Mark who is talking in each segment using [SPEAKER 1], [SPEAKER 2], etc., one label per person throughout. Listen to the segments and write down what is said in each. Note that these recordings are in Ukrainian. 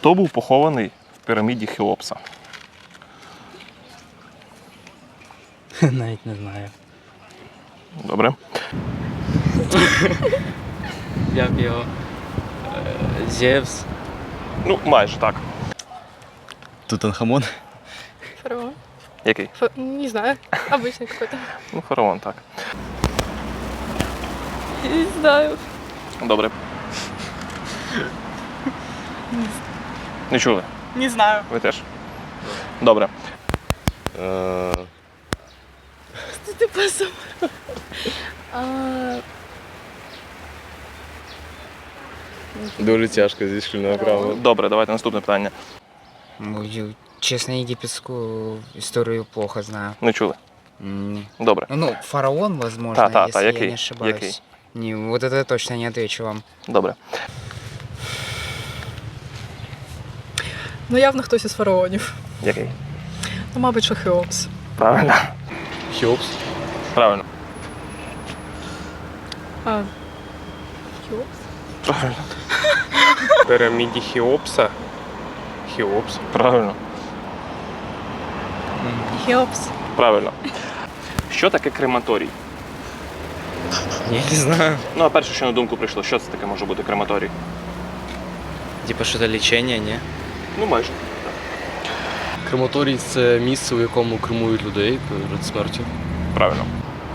[SPEAKER 1] Хто був похований в піраміді Хеопса?
[SPEAKER 2] Навіть не знаю.
[SPEAKER 1] Добре.
[SPEAKER 2] Як його? Зевс.
[SPEAKER 1] Ну, майже так.
[SPEAKER 3] Тутанхамон.
[SPEAKER 4] Фараон.
[SPEAKER 1] Який?
[SPEAKER 4] Не знаю. Обычный какой-то.
[SPEAKER 1] Ну, фараон, так.
[SPEAKER 4] Не знаю.
[SPEAKER 1] Добре. Не чули?
[SPEAKER 5] Не знаю.
[SPEAKER 1] Ви теж? Добре.
[SPEAKER 4] Что ты посмотрел?
[SPEAKER 6] Дуже тяжко зі шкільного права.
[SPEAKER 1] Добре, давайте наступне питання.
[SPEAKER 7] Честно, египетскую историю плохо знаю.
[SPEAKER 1] Не чули? Добре.
[SPEAKER 7] Ну, фараон, возможно,
[SPEAKER 1] Та,
[SPEAKER 7] если я
[SPEAKER 1] який?
[SPEAKER 7] не ошибаюсь.
[SPEAKER 1] Який?
[SPEAKER 7] Не, вот это я точно не отвечу вам.
[SPEAKER 1] Добре.
[SPEAKER 5] Ну, явно хтось із фараонів.
[SPEAKER 1] Який?
[SPEAKER 5] Ну, мабуть, що Хеопс.
[SPEAKER 1] Правильно.
[SPEAKER 6] Хеопс.
[SPEAKER 1] Правильно.
[SPEAKER 5] Хеопс?
[SPEAKER 1] Правильно.
[SPEAKER 6] В піраміді Хеопса. Хеопс.
[SPEAKER 1] Правильно.
[SPEAKER 4] Хеопс.
[SPEAKER 1] Правильно. Що таке крематорій?
[SPEAKER 2] Я не знаю.
[SPEAKER 1] Ну, а перше, що на думку прийшло, що це таке може бути крематорій?
[SPEAKER 2] Типа что-то лечение, не?
[SPEAKER 1] Ну, майже.
[SPEAKER 8] Крематорій – це місце, у якому кремують людей перед смертю.
[SPEAKER 1] Правильно.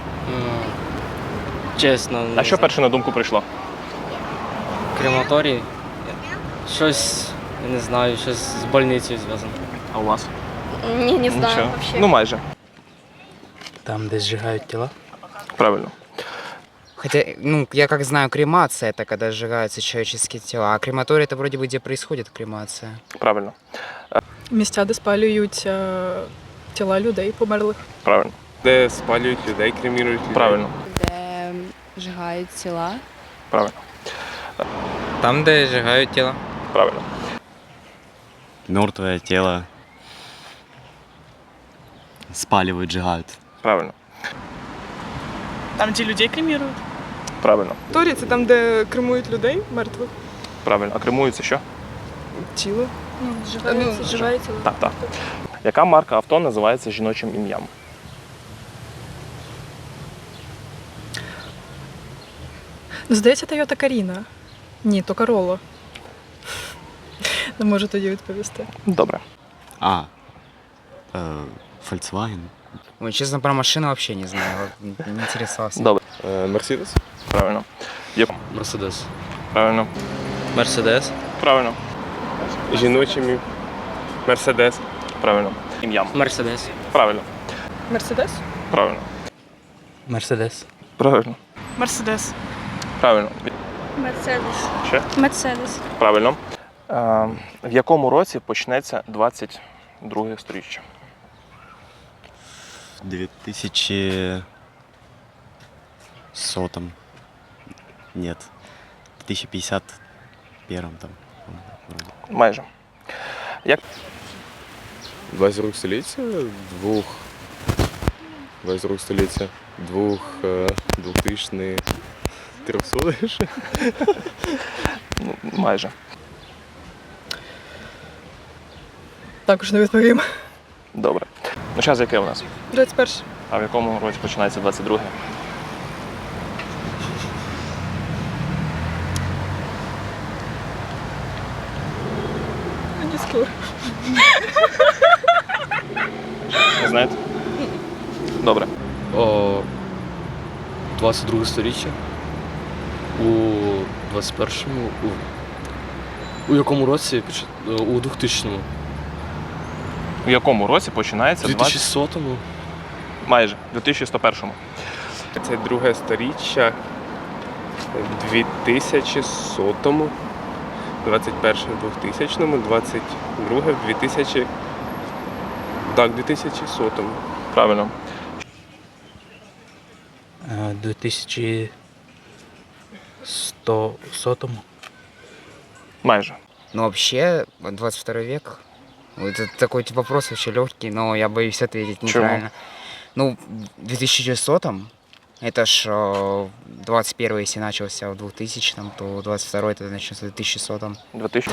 [SPEAKER 2] Чесно.
[SPEAKER 1] А що перше на думку прийшло?
[SPEAKER 2] Крематорій? Щось, я не знаю, щось з больницею зв'язано.
[SPEAKER 1] А у вас?
[SPEAKER 4] Не знаю
[SPEAKER 1] Нічого.
[SPEAKER 4] вообще.
[SPEAKER 1] Ну, майже.
[SPEAKER 2] Там, де зжигають тіла?
[SPEAKER 1] Правильно.
[SPEAKER 7] Хотя, ну, я как знаю, кремация — это когда сжигаются человеческие тела, а крематорий — это вроде бы где происходит кремация.
[SPEAKER 1] Правильно.
[SPEAKER 5] Місця, де спалюють тіла людей померлих.
[SPEAKER 1] Правильно.
[SPEAKER 6] Де спалюють людей, кремірують людей.
[SPEAKER 1] Правильно.
[SPEAKER 9] Де зжигають тіла.
[SPEAKER 1] Правильно.
[SPEAKER 2] Там, де зжигають тіла.
[SPEAKER 1] Правильно.
[SPEAKER 3] Мертвое тело спаливают, сжигают.
[SPEAKER 1] Правильно.
[SPEAKER 5] Там, де людей кремірують.
[SPEAKER 1] Правильно.
[SPEAKER 5] Торі це там, де кремують людей мертвих.
[SPEAKER 1] Правильно. А кремується що?
[SPEAKER 5] Тіло.
[SPEAKER 4] Ну, сжигается.
[SPEAKER 1] Так, так. Яка марка авто називається жіночим ім'ям?
[SPEAKER 5] Ну, здається, Toyota Каріна. Ні, то Corolla. Не можу тоді відповісти.
[SPEAKER 1] Добре.
[SPEAKER 3] Volkswagen.
[SPEAKER 7] Ой, честно, про машину вообще не знаю, вот не интересовался.
[SPEAKER 1] Добре.
[SPEAKER 6] Мерседес.
[SPEAKER 1] Правильно.
[SPEAKER 8] Мерседес.
[SPEAKER 1] Правильно.
[SPEAKER 2] Мерседес.
[SPEAKER 1] Правильно.
[SPEAKER 6] Жіночими. Мерседес.
[SPEAKER 1] Правильно. Ім'ям.
[SPEAKER 2] Мерседес.
[SPEAKER 1] Правильно.
[SPEAKER 5] Мерседес?
[SPEAKER 1] Правильно.
[SPEAKER 2] Мерседес.
[SPEAKER 1] Правильно.
[SPEAKER 5] Мерседес.
[SPEAKER 1] Правильно.
[SPEAKER 4] Мерседес.
[SPEAKER 1] Ще?
[SPEAKER 4] Мерседес.
[SPEAKER 1] Правильно. В якому році почнеться 22 сторіччя?
[SPEAKER 3] В 2100. Нет. В 2051 там. вроде.
[SPEAKER 1] Майже. Як
[SPEAKER 6] 22 століття. 22 століття. 2000 300 ще.
[SPEAKER 1] Ну, майже.
[SPEAKER 5] Також не відповім.
[SPEAKER 1] Добре. Ну, час яке у нас?
[SPEAKER 5] 21.
[SPEAKER 1] А в якому році починається 22?
[SPEAKER 5] Не скоро.
[SPEAKER 1] Не знаєте? Добре.
[SPEAKER 8] 22 сторіччя. У 21-му. У якому році? У 2000-му.
[SPEAKER 1] В якому році починається
[SPEAKER 8] 2100-му.
[SPEAKER 1] Майже. В 2101.
[SPEAKER 6] Це друге сторіччя. 2100-му. 21-му 2000-му, 22-му 2000. Так, 2100-му.
[SPEAKER 1] Правильно.
[SPEAKER 2] 2100-му.
[SPEAKER 1] Майже.
[SPEAKER 7] Ну, вообще, 22 век, это такой типа вопрос вообще легкий, но я боюсь ответить
[SPEAKER 1] Чего?
[SPEAKER 7] неправильно. Ну, в 2100-м Это ж 21 если начался в 2000-м, то 22 тогда начнется в 2100-м.
[SPEAKER 1] 2000?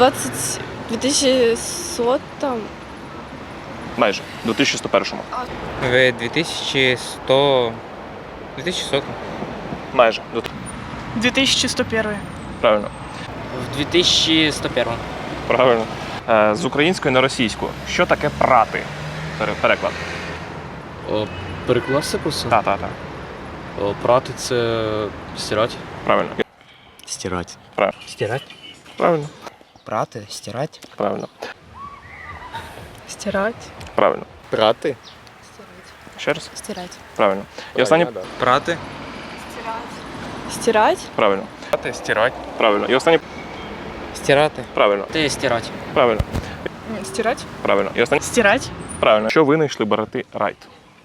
[SPEAKER 4] 2100 там.
[SPEAKER 1] Майже. 2101.
[SPEAKER 7] В 2100... 2100.
[SPEAKER 1] Майже.
[SPEAKER 5] 2101.
[SPEAKER 1] Правильно.
[SPEAKER 2] В 2101.
[SPEAKER 1] Правильно. З української на російську. Що таке прати? Переклад.
[SPEAKER 8] Перекласти просто?
[SPEAKER 1] Так.
[SPEAKER 8] Прати це стирати.
[SPEAKER 1] Правильно.
[SPEAKER 3] Стирать.
[SPEAKER 7] Стирать.
[SPEAKER 1] Правильно.
[SPEAKER 7] Праты, стирать.
[SPEAKER 1] Правильно.
[SPEAKER 5] Стирать.
[SPEAKER 1] Правильно.
[SPEAKER 6] Прати?
[SPEAKER 1] Ще раз?
[SPEAKER 9] Стирать.
[SPEAKER 1] Правильно. І останнє.
[SPEAKER 7] Праты.
[SPEAKER 4] Стирать.
[SPEAKER 1] Правильно. Стирати. Правильно. І останнє.
[SPEAKER 7] Стираты.
[SPEAKER 1] Правильно.
[SPEAKER 2] Ти стирати.
[SPEAKER 1] Правильно.
[SPEAKER 5] Стирать.
[SPEAKER 1] Правильно. І останнє.
[SPEAKER 5] Стирать.
[SPEAKER 1] Правильно. Що винайшли брати Райт?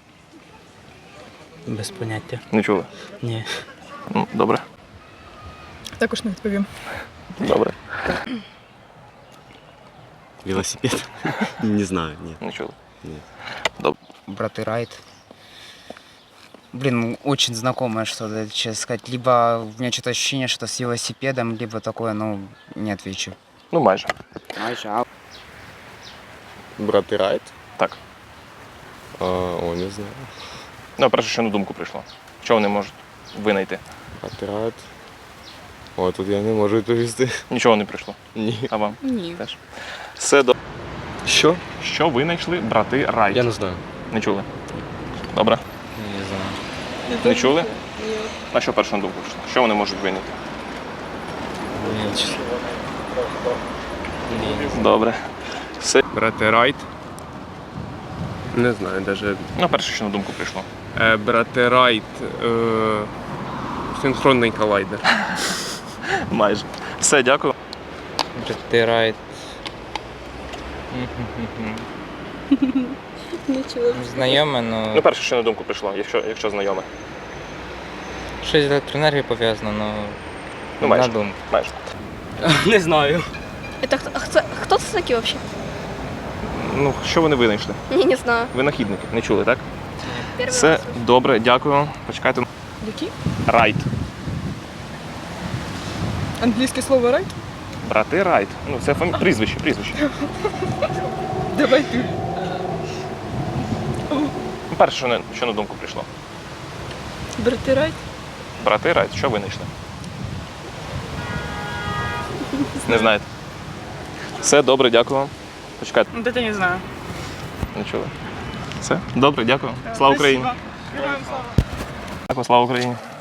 [SPEAKER 2] Без поняття.
[SPEAKER 1] Не чули?
[SPEAKER 2] Ні.
[SPEAKER 1] Ну, добре.
[SPEAKER 5] Також не відповім.
[SPEAKER 1] Добре.
[SPEAKER 3] Велосипед? Не знаю, нет.
[SPEAKER 1] Не чули.
[SPEAKER 7] Браты Райт. Блин, ну, очень знакомое что-то, честно сказать. Либо у меня что-то ощущение, что с велосипедом, либо такое, ну, не отвечу.
[SPEAKER 1] Ну, майже.
[SPEAKER 6] Брати Райт?
[SPEAKER 1] Так.
[SPEAKER 6] Не знаю.
[SPEAKER 1] Ну, перше, що на думку прийшло. Що вони можуть винайти?
[SPEAKER 6] Брати Райт. Тут я не можу відповісти.
[SPEAKER 1] Нічого не прийшло.
[SPEAKER 6] Ні.
[SPEAKER 1] А вам?
[SPEAKER 9] Ні.
[SPEAKER 1] Теж. Все до.
[SPEAKER 8] Що?
[SPEAKER 1] Що винайшли брати Райт?
[SPEAKER 8] Я не знаю.
[SPEAKER 1] Не чули? Добре.
[SPEAKER 7] Не знаю.
[SPEAKER 1] Не чули? А що перше на думку прийшло? Що вони можуть винайти?
[SPEAKER 8] Ні, чесно.
[SPEAKER 1] Добре. Все.
[SPEAKER 6] Брати Райт? Не знаю, навіть.
[SPEAKER 1] Ну, перше, що на думку прийшло.
[SPEAKER 6] Брати Райт. Синхронний колайдер.
[SPEAKER 1] Майже. Все, дякую.
[SPEAKER 7] Браты Райт.
[SPEAKER 4] Не чула.
[SPEAKER 7] Знайоме,
[SPEAKER 1] Ну,
[SPEAKER 7] но
[SPEAKER 1] перше, що на думку прийшло, якщо знайоме.
[SPEAKER 7] щось з електроенергією пов'язано, но
[SPEAKER 1] Ну, майже.
[SPEAKER 7] на думку.
[SPEAKER 1] Майже.
[SPEAKER 2] Не знаю.
[SPEAKER 4] Это кто це такі вообще?
[SPEAKER 1] Ну, що вони винайшли?
[SPEAKER 4] Не знаю.
[SPEAKER 1] Винахідники. Не чули, так?
[SPEAKER 4] Перший
[SPEAKER 1] Все
[SPEAKER 4] раз.
[SPEAKER 1] добре, дякую. Почекайте.
[SPEAKER 5] Які?
[SPEAKER 1] Райт.
[SPEAKER 5] Англійське слово райт?
[SPEAKER 1] Брати Райт. Ну, це прізвище.
[SPEAKER 5] Давай ти.
[SPEAKER 1] Ну, перше, що на думку прийшло.
[SPEAKER 5] Брати райт?
[SPEAKER 1] Брати Райт, що винайшли? Не знаєте. Все добре, дякую вам. Почекайте.
[SPEAKER 5] Це не знаю.
[SPEAKER 1] Не чули. Все добре, дякую. Слава Україні. Дякую, слава Україні.